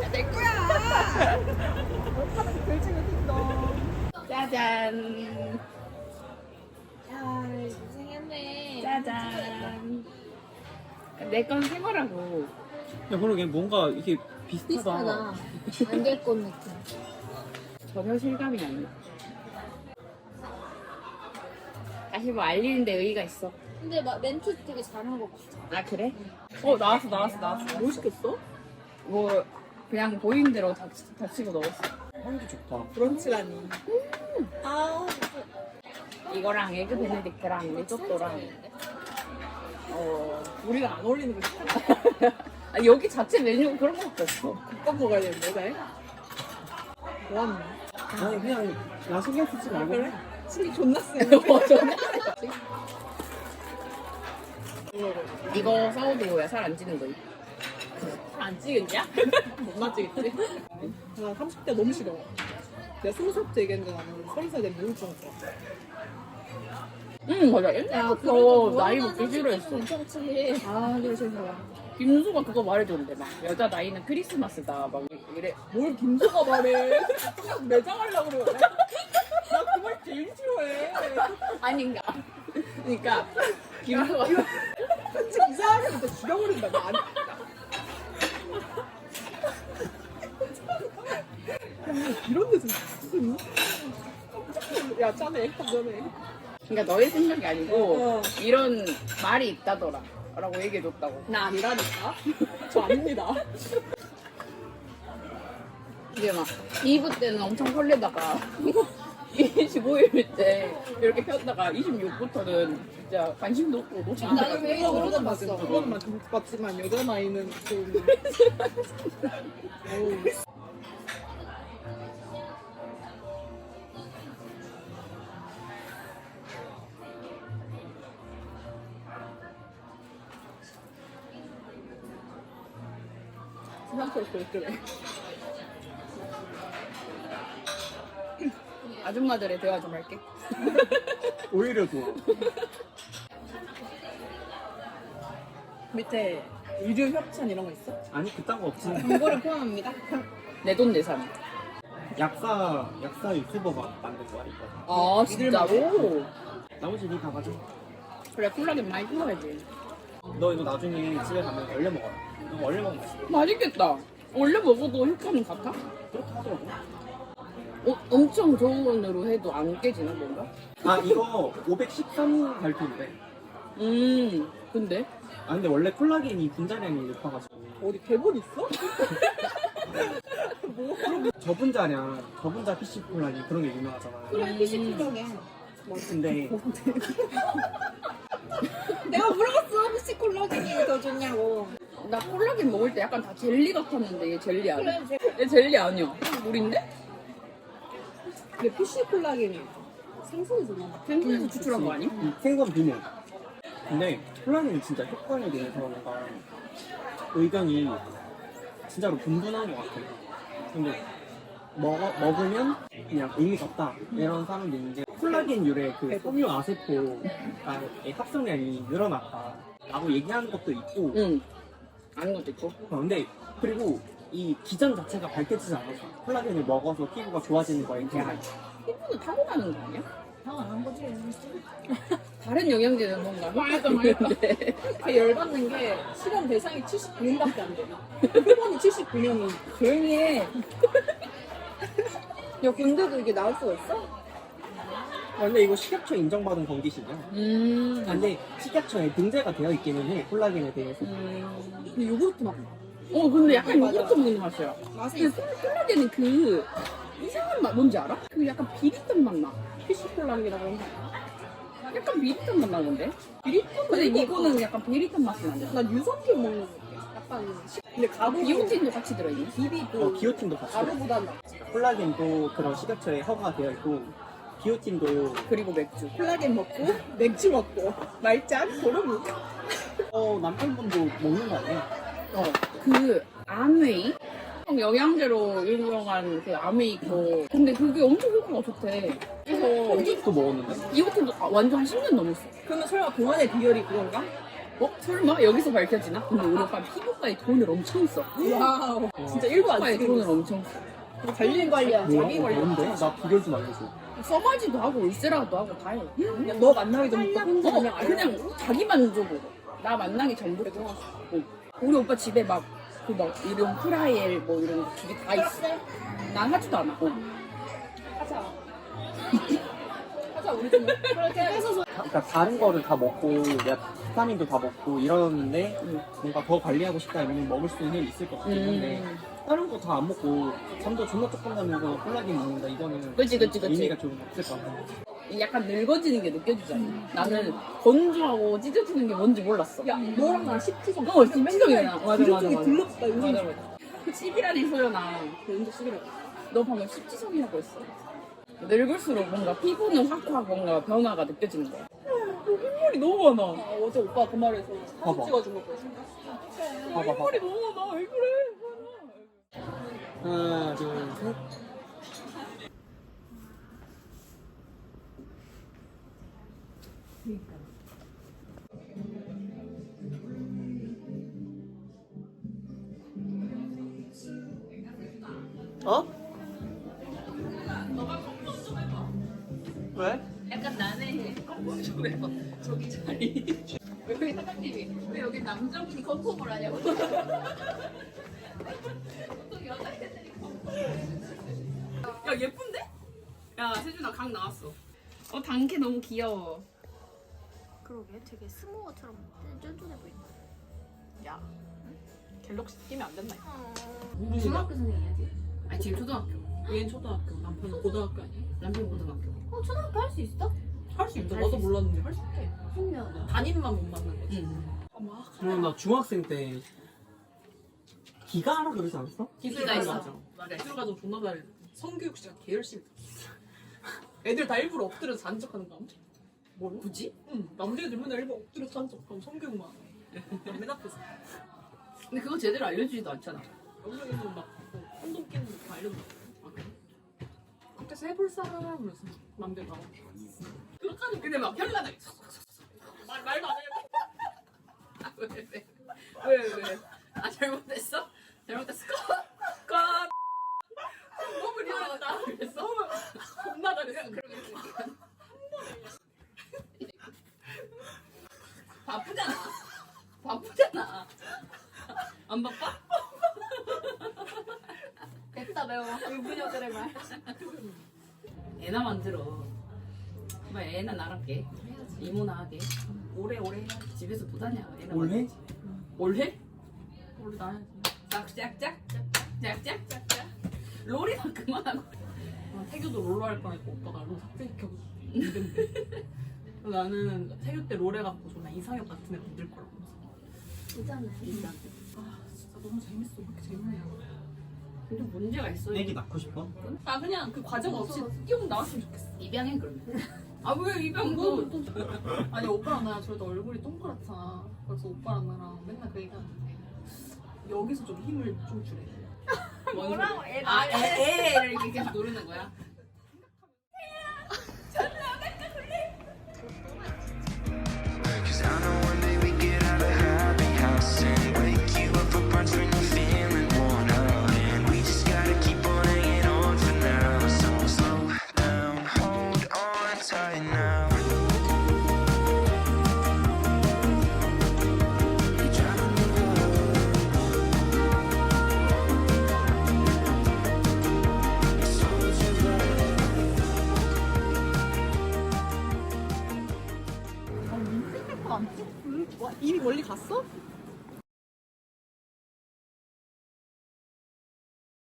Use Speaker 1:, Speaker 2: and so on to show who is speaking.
Speaker 1: 내 거야. 짜잔.
Speaker 2: 야, 고생했네.
Speaker 1: 짜잔. 내 건 새 거라고.
Speaker 3: 야, 그러게 뭔가 이게
Speaker 2: 비슷하다.
Speaker 3: 비슷하다.
Speaker 2: 안 될 것 느낌.
Speaker 1: 전혀 실감이 안 나. 다시 뭐 알리는데 의의가 있어.
Speaker 2: 근데 막 멘트 되게 잘한 것 같아.
Speaker 1: 아 그래?
Speaker 3: 나왔어.
Speaker 1: 뭐 시켰어? 뭐 그냥 보이는 대로 다 치고 넣었어.
Speaker 3: 향기 좋다.
Speaker 4: 브런치라니. 아,
Speaker 1: 이거랑 에그 베네딕트랑 리조또랑
Speaker 4: 우리가 안 어울리는 거 시켰나?
Speaker 1: 아, 여기 자체 메뉴가 그런 거밖에 없어.
Speaker 4: 국밥 먹어야 되는데, 잘? 뭐하는
Speaker 3: 아니 그냥 나 신경 쓰지 말고.
Speaker 4: 그래? 신이 존나 쓰네.
Speaker 1: 이거 사워도우야. 살 안 찌는 거.
Speaker 4: 안 찌겠냐? 못 맞지겠지? 나 30대 너무 싫어. 내가 20살부터 얘기했는데 나는 30살 되면 우울증 왔어.
Speaker 1: 응 맞아. 옛날부터
Speaker 2: 그래도
Speaker 1: 나이
Speaker 2: 무한한
Speaker 1: 먹기 싫어했어.
Speaker 2: 괜찮지.
Speaker 4: 아, 그래, 싫어.
Speaker 1: 김수가 그거 말해줬는데 막 여자 나이는 크리스마스다 막 이래.
Speaker 4: 뭘 김수가 말해. 그냥 매장하려고 그래. 나 그 말 제일 싫어해.
Speaker 1: 아닌가. 그러니까 김수가
Speaker 4: 편집 이상하게 진짜 죽여버린다. 나 안. 이런 데서 무슨. 야, 짜네. 액션 전에.
Speaker 1: 그러니까 너의 생각이 아니고
Speaker 4: 어.
Speaker 1: 이런 말이 있다더라 라고 얘기해줬다고.
Speaker 4: 나 아니라니까. 저 아닙니다.
Speaker 1: 이게 막 2부 때는 엄청 설레다가 25일 때 이렇게 폈다가 26부터는 진짜 관심도 없고 놓치는
Speaker 2: 나도
Speaker 1: 데가
Speaker 2: 되게
Speaker 1: 없어.
Speaker 2: 오래전 봤어.
Speaker 4: 그것만 봤지만 여자 나이는 좀. 어우. 수상스럽게 그래.
Speaker 1: 아줌마들의 대화 좀 할게.
Speaker 3: 오히려 좋아.
Speaker 4: 밑에 의류 협찬 이런 거 있어?
Speaker 3: 아니 그딴 거 없지.
Speaker 4: 광고를 포함합니다.
Speaker 1: 내 돈 내산.
Speaker 3: 약사 유튜버가 만든 거야 이거.
Speaker 1: 아 진짜로?
Speaker 3: 나머지 니 다 가져.
Speaker 1: 그래 콜라겐 많이 필요하지.
Speaker 3: 너 이거 나중에 집에 가면 얼려 먹어라. 이거 얼려 먹으면 맛있어.
Speaker 1: 맛있겠다. 원래 먹어도 효과는 같아?
Speaker 3: 그렇게 하더라고.
Speaker 1: 엄청 저온으로 해도 안 깨지나 뭔가?
Speaker 3: 아 이거 513 발표인데.
Speaker 1: 근데?
Speaker 3: 아 근데 원래 콜라겐이 분자량이 높아가지고
Speaker 4: 어디 대본 있어?
Speaker 3: 저분자 PC 콜라겐 그런 게 유명하잖아.
Speaker 2: 그래, 피시콜라겐.
Speaker 3: 근데
Speaker 2: 내가 물어봤어. 피시콜라겐이 더 좋냐고.
Speaker 1: 나 콜라겐 먹을 때 약간 다 젤리 같았는데 얘 젤리 아니야?
Speaker 2: 그래,
Speaker 1: 얘 젤리 아니야? 물인데?
Speaker 4: 근데 PC 콜라겐이 생선이잖아.
Speaker 1: 생선에서 추출한 거 아니?
Speaker 3: 생선 비밀. 근데 콜라겐이 진짜 효과에 대해서 뭔가 의견이 진짜로 분분한 것 같아. 근데 먹으면 그냥 의미가 없다 이런 사람도 있는데 콜라겐 유래 그 섬유 아세포의 합성량이 늘어났다라고 얘기하는 것도 있고
Speaker 1: 응. 아는 것도 있고.
Speaker 3: 근데 그리고 이 기전 자체가 밝혀지지 않아서 콜라겐을 먹어서 피부가 좋아지는 거에 대한
Speaker 1: 피부는 타고나는 거 아니야?
Speaker 2: 당연한 거지.
Speaker 1: 다른 영양제는 뭔가
Speaker 4: 맞아.
Speaker 1: 있는데.
Speaker 4: 그 열받는 게 실험 대상이 79인밖에 안 돼. 표본이 79명이.
Speaker 1: 조용히 해.
Speaker 2: 야, 근데도 이게 나올 수가 있어?
Speaker 3: 근데 이거 식약처 인정받은 건기식이야. 근데 식약처에 등재가 되어 있기는 해 콜라겐에 대해서.
Speaker 4: 근데 요구르트 맛.
Speaker 1: 근데 약간
Speaker 4: 맞아.
Speaker 1: 요거트 먹는 맛이야.
Speaker 4: 맛이
Speaker 1: 근데 콜라겐은 그 이상한 맛 뭔지 알아? 그 약간 비릿한 맛 나.
Speaker 4: PC 콜라겐이라고 하는
Speaker 1: 약간 비릿한 맛 나는데? 비릿한 근데 이거는 약간 비릿한 맛이 나는데?
Speaker 4: 난 유산균 먹는 거 같아. 약간. 근데 가루.
Speaker 1: 비오틴도 같이 들어있네?
Speaker 4: 비비도.
Speaker 3: 기호틴도 같이.
Speaker 4: 가루보다는
Speaker 3: 콜라겐도 그런 식약처에 허가되어 있고 기호틴도
Speaker 1: 그리고 맥주.
Speaker 4: 콜라겐 먹고 맥주 먹고 말짱 도루묵.
Speaker 3: 남편분도 먹는 거 아니야?
Speaker 1: 그 아메이? 영양제로 유명한 그 아메이 있고 근데 그게 엄청 효과가 좋대. 그래서
Speaker 3: 언제부터 먹었는데?
Speaker 1: 비오틴도 완전 10년 넘었어.
Speaker 4: 그러면 설마 동안의 비결이 그건가?
Speaker 1: 설마? 여기서 밝혀지나? 근데 우리 오빠 피부과에 돈을 엄청 써.
Speaker 4: 와우. 진짜 1도 안
Speaker 1: 피부과에
Speaker 4: 쓰는
Speaker 1: 돈을
Speaker 4: 거.
Speaker 1: 엄청 써.
Speaker 4: 관리 관리야. 자기 관리.
Speaker 3: 뭔데? 나 비결 좀 알려줘.
Speaker 1: 써마지도 하고 울세라도 하고 다 해.
Speaker 4: 그냥 너 만나기 전부터 혼자 그냥 알려.
Speaker 1: 그냥 자기 만족으로. 나 만나기 전부터. 우리 오빠 집에 막 이런 프라이엘 뭐 이런 거 기계 다 있어. 난 하지도 않아.
Speaker 4: 하자. 하자 우리 좀 그렇게 뺏어서.
Speaker 3: 그러니까 다른 거를 다 먹고 내가 비타민도 다 먹고 이러는데 뭔가 더 관리하고 싶다 이러면 먹을 수는 있을 것 같긴 한데 다른 거 다 안 먹고 잠도 존나 조금 자면서 콜라겐 먹는다 이거는
Speaker 1: 그치.
Speaker 3: 의미가 좀 없을 것 같아.
Speaker 1: 약간 늙어지는 게 느껴지잖아. 나는 건조하고 찢어지는 게 뭔지 몰랐어.
Speaker 4: 야 너랑 나랑 10지성.
Speaker 1: 10지성이야. 맞아.
Speaker 4: 들렀다 요즘.
Speaker 1: 맞아. 10이라니 소연아.
Speaker 4: 언제 10이라고?
Speaker 1: 너 방금 10지성이라고 했어. 늙을수록 뭔가 피부는 확 뭔가 변화가 느껴지는 거야. 흰머리 너무 많아.
Speaker 4: 어제 오빠 그 말에서
Speaker 3: 봐봐.
Speaker 4: 사진 찍어준 거 보여줘.
Speaker 3: 봐봐.
Speaker 1: 흰머리 너무 많아. 왜 그래?
Speaker 3: 하나, 둘, 셋. 어? 왜?
Speaker 1: 약간 나는 컴포 좀 해봐. 저기 자리. 왜 여기 사장님이 왜 여기 남자분이 컴포를 하냐고. 보통 여자애들이 컴포. 야 예쁜데? 야 세준아 각 나왔어. 단케 너무 귀여워.
Speaker 2: 그러게 되게 스모어처럼 쫀쫀해 보인다.
Speaker 4: 야 갤럭시 끼면 안 된다.
Speaker 2: 중학교 생이야지.
Speaker 1: 아니 지금 초등학교.
Speaker 4: 얘는 초등학교, 남편은 고등학교 아니야?
Speaker 1: 남편 고등학교.
Speaker 2: 초등학교 할 수 있어?
Speaker 4: 할 수 있어. 나도 몰랐는데 할 수 있대.
Speaker 2: 신기하다.
Speaker 4: 담임만 못 만난 거지.
Speaker 1: 응.
Speaker 4: 막
Speaker 3: 그럼 나 중학생 때 기가하라 그러지 않았어?
Speaker 1: 기술가 있어.
Speaker 4: 맞아. 기술 가지고 존나 잘해. 성교육 시간 개 열심히 들었어. 애들 다 일부러 엎드려서 잔 척하는 거. 뭘?
Speaker 1: 굳이?
Speaker 4: 응. 남자애들 맨날 일부러 엎드려서 잔 척. 그럼 성교육만. 난 맨 앞에서.
Speaker 1: 근데 그거 제대로 알려주지도 않잖아.
Speaker 4: 여기는 막 콘돔 끼는 거다 알려줘. 아 그래? 그때 해볼 사람 그래서 맘대로 나와.
Speaker 1: 그렇다니 근데 막 현란하게.
Speaker 4: 말도 안 해.
Speaker 1: 아, 왜? 아 잘못했어? 잘못했어? 컷.
Speaker 4: 너무 리얼하다.
Speaker 1: 그랬어?
Speaker 4: 겁나 잘했어.
Speaker 1: 바쁘잖아. 안 바빠?
Speaker 2: 됐다 매워. 유부녀들의 말.
Speaker 1: 애나 만들어. 뭐 애나 나랑 깨. 이모나 하게. 오래 해야지. 집에서 못하냐. 애나
Speaker 3: 올해?
Speaker 1: 만들지. 올해?
Speaker 4: 원래 나야지.
Speaker 1: 짝짝짝. 롤이나 그만하고.
Speaker 4: 태교도 롤러 할 뻔했고 오빠가 롤 삭제시켜서 힘든데. 나는 태교 때 롤 해갖고 존나 이상혁 같은 애 만들 거라고.
Speaker 2: 있잖아.
Speaker 4: 아 진짜 너무 재밌어. 왜 이렇게 재밌냐.
Speaker 1: 근데 문제가 있어.
Speaker 3: 애기 낳고 싶어?
Speaker 4: 아 그냥 그 과정 없이 띄우고 나왔으면 좋겠어.
Speaker 1: 입양해 그러면. 아 왜 입양도?
Speaker 4: 아니 오빠랑 나랑 저래도 얼굴이 동그랗잖아. 그래서 오빠랑 나랑 맨날 그 얘기하는데 여기서 좀 힘을 좀 주래.
Speaker 2: 뭐라고
Speaker 1: 애를 이렇게 계속 누르는 거야?
Speaker 5: Cause I know one day we get out of happy house and wake you up for brunch when you're feeling worn out. And we just gotta keep on hanging on for now. So slow down, hold on tight now. You're driving me wild. So would you
Speaker 4: 이미 멀리 갔어?